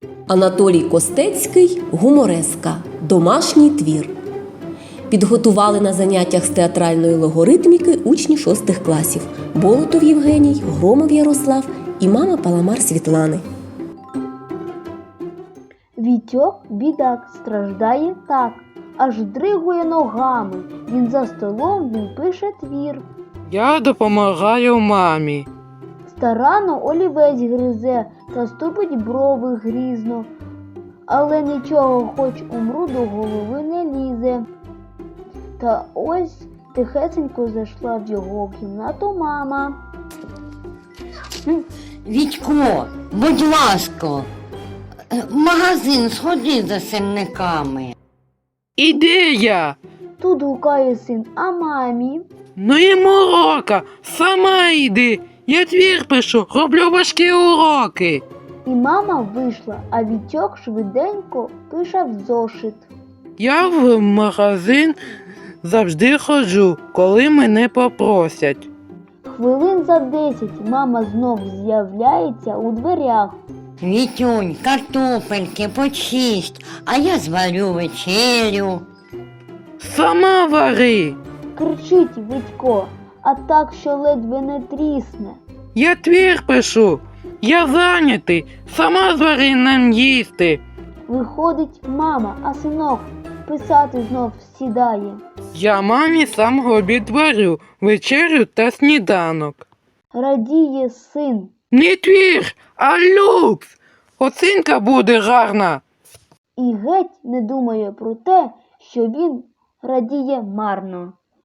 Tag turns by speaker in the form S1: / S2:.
S1: Анатолій Костецький «Гумореска. Домашній твір». Підготували на заняттях з театральної логоритміки учні 6 класів – Болотов Євгеній, Громов Ярослав і мама Паламар Світлани.
S2: Вітьок, бідак, страждає так, аж дригує ногами. Він за столом, він пише твір.
S3: Я допомагаю мамі.
S2: Старанно олівець гризе та ступить брови грізно. Але нічого, хоч умру, до голови не лізе. Та ось тихесенько зайшла в його кімнату мама.
S4: Вітько, будь ласка, в магазин сходи за сирниками.
S3: Ідея!
S2: Тут гукає син, а мамі?
S3: Ну і морока, сама йди. Я твір пишу, роблю важкі уроки.
S2: І мама вийшла, а Вітьок швиденько пише в зошит.
S3: Я в магазин завжди ходжу, коли мене попросять.
S2: Хвилин за 10 мама знов з'являється у дверях.
S4: Вітюнь, картопельки почисть, а я зварю вечерю.
S3: Сама вари.
S2: Кричить Вітько, а так, що ледве не трісне.
S3: Я твір пишу. Я зайнятий. Сама звари нам їсти.
S2: Виходить мама, а синок писати знов сідає.
S3: Я мамі сам обід варю, вечерю та сніданок.
S2: Радіє син.
S3: Не твір, а люкс. Оцінка буде гарна.
S2: І геть не думає про те, що він радіє марно.